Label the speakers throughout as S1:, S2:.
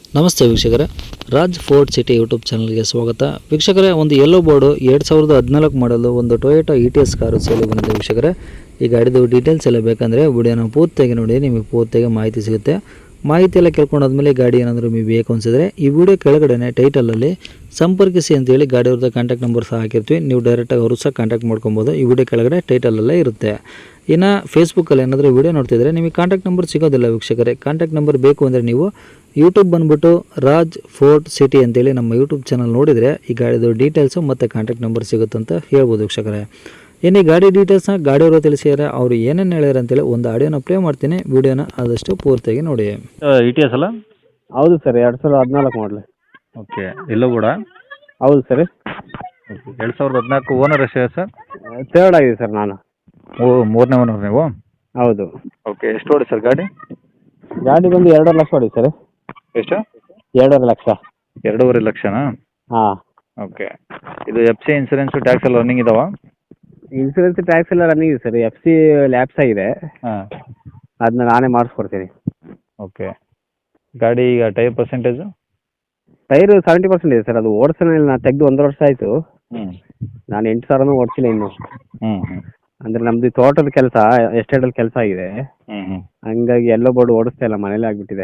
S1: ನಮಸ್ತೆ ವೀಕ್ಷಕರೇ, Raj fort city YouTube ಚಾನಲ್ಗೆ ಸ್ವಾಗತ. ವೀಕ್ಷಕರೇ, ಒಂದು ಯೆಲ್ಲೋ ಬೋರ್ಡು 2014 ಮಾಡಲು ಒಂದು ಟೊಯೋಟಾ ETS ಕಾರು ಸೇಲ್ ಬಂದಿದೆ. ವೀಕ್ಷಕರೇ, ಈ ಗಾಡಿದು ಡೀಟೇಲ್ಸ್ ಎಲ್ಲ ಬೇಕಂದರೆ ವಿಡಿಯೋನ ಪೂರ್ತಿಯಾಗಿ ನೋಡಿ, ನಿಮಗೆ ಪೂರ್ತಿಯಾಗಿ ಮಾಹಿತಿ ಸಿಗುತ್ತೆ. ಮಾಹಿತಿ ಎಲ್ಲ ಕೇಳ್ಕೊಂಡಾದ್ಮೇಲೆ ಗಾಡಿ ಏನಾದರೂ ನಿಮಗೆ ಬೇಕು ಅನಿಸಿದ್ರೆ ಈ ವಿಡಿಯೋ ಕೆಳಗಡೆ ಟೈಟಲಲ್ಲಿ ಸಂಪರ್ಕಿಸಿ ಅಂತೇಳಿ ಗಾಡಿಯವ್ರದ್ದು ಕಾಂಟ್ಯಾಕ್ಟ್ ನಂಬರ್ ಸಹ ಹಾಕಿರ್ತೀವಿ. ನೀವು ಡೈರೆಕ್ಟಾಗಿ ಅವರು ಸಹ ಕಾಂಟ್ಯಾಕ್ಟ್ ಮಾಡ್ಕೊಬೋದು. ಈ ವಿಡಿಯೋ ಕೆಳಗಡೆ ಟೈಟಲಲ್ಲೇ ಇರುತ್ತೆ. ಇನ್ನು ಫೇಸ್ಬುಕ್ಕಲ್ಲಿ ಏನಾದರೂ ವಿಡಿಯೋ ನೋಡ್ತಿದ್ರೆ ನಿಮಗೆ ಕಾಂಟ್ಯಾಕ್ಟ್ ನಂಬರ್ ಸಿಗೋದಿಲ್ಲ ವೀಕ್ಷಕರೇ. ಕಾಂಟ್ಯಾಕ್ಟ್ ನಂಬರ್ ಬೇಕು ಅಂದರೆ ನೀವು ಯೂಟ್ಯೂಬ್ ಬಂದುಬಿಟ್ಟು ರಾಜ್ ಫೋರ್ಟ್ ಸಿಟಿ ಅಂತೇಳಿ ನಮ್ಮ ಯೂಟ್ಯೂಬ್ ಚಾನಲ್ ನೋಡಿದರೆ ಈ ಗಾಡಿದು ಡೀಟೇಲ್ಸು ಮತ್ತು ಕಾಂಟ್ಯಾಕ್ಟ್ ನಂಬರ್ ಸಿಗುತ್ತಂತ ಹೇಳ್ಬೋದು ವೀಕ್ಷಕರೇ. ಇನ್ನು ಈ ಗಾಡಿ ಡೀಟೇಲ್ಸ್ನ ಗಾಡಿಯವರು ತಿಳಿಸಿದ್ದಾರೆ, ಅವರು ಏನೇನು ಹೇಳ್ಯಾರ ಅಂತೇಳಿ ಒಂದು ಆಡಿಯೋನ ಪ್ಲೇ ಮಾಡ್ತೀನಿ. ವಿಡಿಯೋನ ಆದಷ್ಟು ಪೂರ್ತಿಯಾಗಿ ನೋಡಿ.
S2: ETS ಅಲ್ಲ?
S3: ಹೌದು ಸರ್, 2014 ಮಾಡಲಿ.
S2: ಓಕೆ, ಎಲ್ಲೋ ಕೂಡ?
S3: ಹೌದು ಸರ್.
S2: 2014 ಓನರ್ ಎಷ್ಟಿದೆ ಸರ್?
S3: ಥರ್ಡ್ ಆಗಿದೆ ಸರ್ ನಾನು.
S2: ಮೂರನೇ ಓನರ್ ನೀವು?
S3: ಹೌದು.
S2: ಓಕೆ, ಎಷ್ಟು ಓಡಿ ಸರ್ ಗಾಡಿ?
S3: ಗಾಡಿ ಬಂದು 2.5 ಲಕ್ಷ ಹೊಡಿ ಸರ್.
S2: ಎಷ್ಟು?
S3: 2.5 ಲಕ್ಷ.
S2: 2.5 ಲಕ್ಷನಾ?
S3: ಹಾಂ.
S2: ಓಕೆ, ಇದು FC ಇನ್ಸೂರೆನ್ಸು ಟ್ಯಾಕ್ಸ್ ಎಲ್ಲ ರನ್ನಿಂಗ್ ಇದಾವ?
S3: ಇನ್ಸೂರೆನ್ಸ್ ಟ್ಯಾಕ್ಸ್ ಎಲ್ಲ ರನ್ನಿಂಗ್ ಇದೆ ಸರ್. FC ಲ್ಯಾಪ್ಸ್ ಆಗಿದೆ,
S2: ಹಾಂ.
S3: ಅದನ್ನ ನಾನೇ ಮಾಡಿಸ್ಕೊಡ್ತೀನಿ.
S2: ಓಕೆ, ಗಾಡಿ ಈಗ ಟೈರ್ ಪರ್ಸೆಂಟೇಜು?
S3: ಟೈರು 70% ಇದೆ ಸರ್. ಅದು ಓಡಿಸೋಣ ನಾನು ತೆಗೆದು 1 ವರ್ಷ ಆಯಿತು. ನಾನು 8,000 ಓಡಿಸಿಲ್ಲ ಇನ್ನು. ಅಂದರೆ ನಮ್ಮದು ತೋಟದ ಕೆಲಸ, ಎಸ್ಟೇಟಲ್ಲಿ ಕೆಲಸ ಆಗಿದೆ. ಹಂಗಾಗಿ ಎಲ್ಲೋ ಬೋರ್ಡು ಓಡಿಸ್ತಾ ಇಲ್ಲ, ಮನೇಲಿ ಆಗಿಬಿಟ್ಟಿದೆ.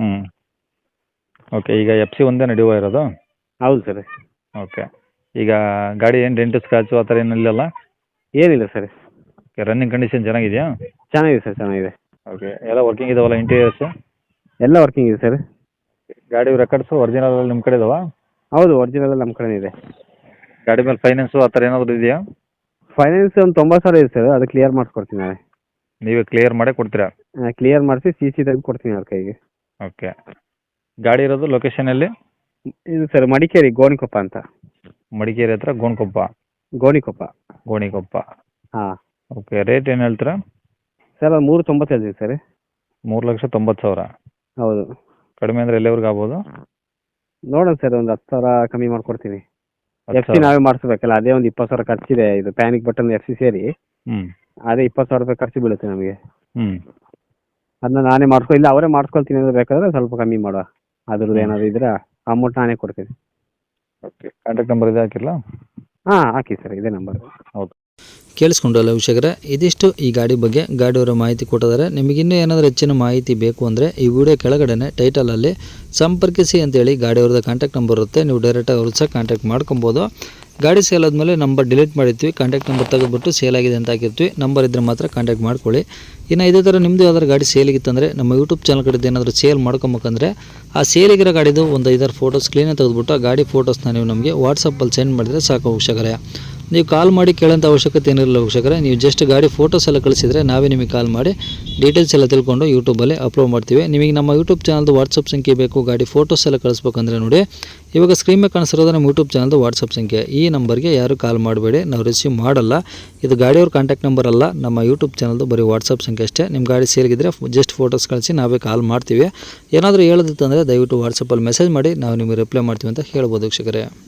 S2: ಓಕೆ, ಈಗ FC ಒಂದೇ ನಡೆಯುವ ಇರೋದು?
S3: ಹೌದು ಸರ್.
S2: ಓಕೆ, ಈಗ ಗಾಡಿ ಏನು ಡೆಂಟು ಸ್ಕ್ರಾಚು ಆ ಥರ ಏನಿಲ್ಲಲ್ಲ?
S3: ಏನಿಲ್ಲ ಸರ್.
S2: ಓಕೆ, ರನ್ನಿಂಗ್ ಕಂಡೀಷನ್ ಚೆನ್ನಾಗಿದೆಯಾ?
S3: ಚೆನ್ನಾಗಿದೆ ಸರ್, ಚೆನ್ನಾಗಿದೆ.
S2: ಓಕೆ, ಎಲ್ಲ ವರ್ಕಿಂಗ್ ಇದಾವಲ್ಲ ಇಂಟೀರಿಯರ್ಸು?
S3: ಎಲ್ಲ ವರ್ಕಿಂಗ್ ಇದೆ ಸರ್.
S2: ಗಾಡಿ ರೆಕಾರ್ಡ್ಸು ಒರಿಜಿನಲ್ ನಿಮ್ಮ ಕಡೆ ಇದಾವಾ?
S3: ಹೌದು, ಒರಿಜಿನಲ್ ನಮ್ಮ ಕಡೆ ಇದೆ.
S2: ಗಾಡಿ ಮೇಲೆ ಫೈನಾನ್ಸು ಆ ಥರ ಏನಾದರೂ ಇದೆಯಾ?
S3: ಫೈನಾನ್ಸ್ ಒಂದು 90,000 ಇದೆ ಸರ್. ಅದು ಕ್ಲಿಯರ್ ಮಾಡಿಸ್ಕೊಡ್ತೀನಿ ನಾಳೆ.
S2: ನೀವೇ ಕ್ಲಿಯರ್ ಮಾಡೇ ಕೊಡ್ತೀರಾ?
S3: ಕ್ಲಿಯರ್ ಮಾಡಿಸಿ CC ತೆಗೆದು ಕೊಡ್ತೀನಿ ಅವ್ರ ಕೈಗೆ.
S2: ಓಕೆ, ಗಾಡಿ ಇರೋದು ಲೊಕೇಶನಲ್ಲಿ?
S3: ಇದು ಸರ್ ಮಡಿಕೇರಿ ಗೋಣಿಕೊಪ್ಪ ಅಂತ.
S2: ಮಡಿಕೇರಿ ಹತ್ರ ಗೋಣಿಕೊಪ್ಪ?
S3: ಗೋಣಿಕೊಪ್ಪ. ಹಾಂ.
S2: ಓಕೆ, ರೇಟ್ ಏನು ಹೇಳ್ತೀರಾ
S3: ಸರ್? ಅದು 3.90 ಹೇಳ್ತೀವಿ ಸರ್.
S2: 3,90,000?
S3: ಹೌದು.
S2: ಕಡಿಮೆ ಅಂದರೆ ಎಲ್ಲಿವರೆಗೂ ಆಗ್ಬೋದು?
S3: ನೋಡೋಣ ಸರ್, ಒಂದು 10,000 ಕಮ್ಮಿ ಮಾಡ್ಕೊಡ್ತೀನಿ. FC ನಾವೇ ಮಾಡಿಸ್ಬೇಕಲ್ಲ, ಅದೇ ಒಂದು 20,000 ಖರ್ಚಿದೆ. ಇದು ಪ್ಯಾನಿಕ್ ಬಟನ್ FC ಸೇರಿ ಅದೇ 20,000 ರೂಪಾಯಿ ಖರ್ಚು ಬೀಳುತ್ತೆ ನಮಗೆ. ಅದನ್ನ ನಾನೇ ಇಲ್ಲ ಅವರೇ ಮಾಡಿಸ್ಕೊಳ್ತೀನಿ ಅಂದ್ರೆ ಬೇಕಾದ್ರೆ ಸ್ವಲ್ಪ ಕಮ್ಮಿ ಮಾಡುವ. ಅದ್ರದ್ದು ಏನಾದ್ರು ಇದ್ರೆ ಅಮೌಂಟ್ ನಾನೇ ಕೊಡ್ತೀನಿ.
S2: ಓಕೆ, ಕಾಂಟ್ಯಾಕ್ಟ್ ನಂಬರ್ ಇದೆ ಹಾಕಿಲ್ಲ?
S3: ಹಾಂ, ಹಾಕಿ ಸರ್, ಇದೇ ನಂಬರ್.
S2: ಹೌದು.
S1: ಕೇಳಿಸ್ಕೊಂಡಲ್ಲ ವೀಕ್ಷಕರೇ, ಇದಿಷ್ಟು ಈ ಗಾಡಿ ಬಗ್ಗೆ ಗಾಡಿಯವರ ಮಾಹಿತಿ ಕೊಟ್ಟಿದ್ದಾರೆ. ನಿಮಗಿನ್ನೂ ಏನಾದರೂ ಹೆಚ್ಚಿನ ಮಾಹಿತಿ ಬೇಕು ಅಂದರೆ ಈ ವಿಡಿಯೋ ಕೆಳಗಡೆ ಟೈಟಲಲ್ಲಿ ಸಂಪರ್ಕಿಸಿ ಅಂತೇಳಿ ಗಾಡಿಯವ್ರದ್ದು ಕಾಂಟ್ಯಾಕ್ಟ್ ನಂಬರ್ ಇರುತ್ತೆ. ನೀವು ಡೈರೆಕ್ಟಾಗಿ ಅವ್ರು ಸಹ ಕಾಂಟ್ಯಾಕ್ಟ್ ಮಾಡ್ಕೊಬೋದು. ಗಾಡಿ ಸೇಲ್ ಆದಮೇಲೆ ನಂಬರ್ ಡಿಲೀಟ್ ಮಾಡಿರ್ತೀವಿ, ಕಾಂಟ್ಯಾಕ್ಟ್ ನಂಬರ್ ತೆಗೆದುಬಿಟ್ಟು ಸೇಲ್ ಆಗಿದೆ ಅಂತ ಹಾಕಿರ್ತೀವಿ. ನಂಬರ್ ಇದ್ದರೆ ಮಾತ್ರ ಕಾಂಟ್ಯಾಕ್ಟ್ ಮಾಡ್ಕೊಳ್ಳಿ. ಇನ್ನು ಇದೇ ಥರ ನಿಮ್ಮದು ಯಾವ್ದಾದ್ರು ಗಾಡಿ ಸೇಲಿಗಿತ್ತಂದರೆ ನಮ್ಮ ಯೂಟ್ಯೂಬ್ ಚಾನಲ್ ಕಡೆದು ಏನಾದರೂ ಸೇಲ್ ಮಾಡ್ಕೊಬೇಕಂದ್ರೆ ಆ ಸೇಲಿಗಿರೋ ಗಾಡಿದು ಒಂದು 5-6 ಫೋಟೋಸ್ ಕ್ಲೀನಾಗಿ ತೆಗೆದುಬಿಟ್ಟು ಆ ಗಾಡಿ ಫೋಟೋಸ್ನ ನೀವು ನಮಗೆ ವಾಟ್ಸಪ್ಪಲ್ಲಿ ಸೆಂಡ್ ಮಾಡಿದರೆ ಸಾಕು ವೀಕ್ಷಕರೇ. ನೀವು ಕಾಲ್ ಮಾಡಿ ಕೇಳೋಂಥ ಅವಶ್ಯಕತೆ ಏನಿರಲ್ಲ ವೀಕ್ಷಕರೇ. ನೀವು ಜಸ್ಟ್ ಗಾಡಿ ಫೋಟೋಸ್ ಎಲ್ಲ ಕಳಿಸಿದರೆ ನಾವೇ ನಿಮಗೆ ಕಾಲ್ ಮಾಡಿ ಡೀಟೇಲ್ಸ್ ಎಲ್ಲ ತಿಳ್ಕೊಂಡು ಯೂಟ್ಯೂಬಲ್ಲಿ ಅಪ್ಲೋಡ್ ಮಾಡ್ತೀವಿ. ನಿಮಗೆ ನಮ್ಮ ಯೂಟ್ಯೂಬ್ ಚಾನಲ್ದು ವಾಟ್ಸಪ್ ಸಂಖ್ಯೆ ಬೇಕು, ಗಾಡಿ ಫೋಟೋಸ್ ಎಲ್ಲ ಕಳಿಸ್ಬೇಕಂದ್ರೆ ನೋಡಿ, ಇವಾಗ ಸ್ಕ್ರೀನ್ ಮೇಲೆ ಕಾಣಿಸಿರೋದು ನಮ್ಮ ಯೂಟ್ಯೂಬ್ ಚಾನಲ್ದು ವಾಟ್ಸಪ್ ಸಂಖ್ಯೆ. ಈ ನಂಬರ್ಗೆ ಯಾರು ಕಾಲ್ ಮಾಡಬೇಡಿ, ನಾವು ರಿಸೀವ್ ಮಾಡಲ್ಲ. ಇದು ಗಾಡಿಯವ್ರ ಕಾಂಟ್ಯಾಕ್ಟ್ ನಂಬರ್ ಅಲ್ಲ, ನಮ್ಮ ಯೂಟ್ಯೂಬ್ ಚಾನಲ್ದು ಬರೀ ವಾಟ್ಸಪ್ ಸಂಖ್ಯೆ ಅಷ್ಟೇ. ನಿಮ್ಮ ಗಾಡಿ ಸೇಲ್ಗಿದ್ರೆ ಜಸ್ಟ್ ಫೋಟೋಸ್ ಕಳಿಸಿ, ನಾವೇ ಕಾಲ್ ಮಾಡ್ತೀವಿ. ಏನಾದರೂ ಹೇಳೋದಿತ್ತಂದರೆ ದಯವಿಟ್ಟು ವಾಟ್ಸಪ್ಪಲ್ಲಿ ಮೆಸೇಜ್ ಮಾಡಿ, ನಾವು ನಿಮಗೆ ರಿಪ್ಲೈ ಮಾಡ್ತೀವಿ ಅಂತ ಹೇಳ್ಬೋದು ವೀಕ್ಷಕರೇ.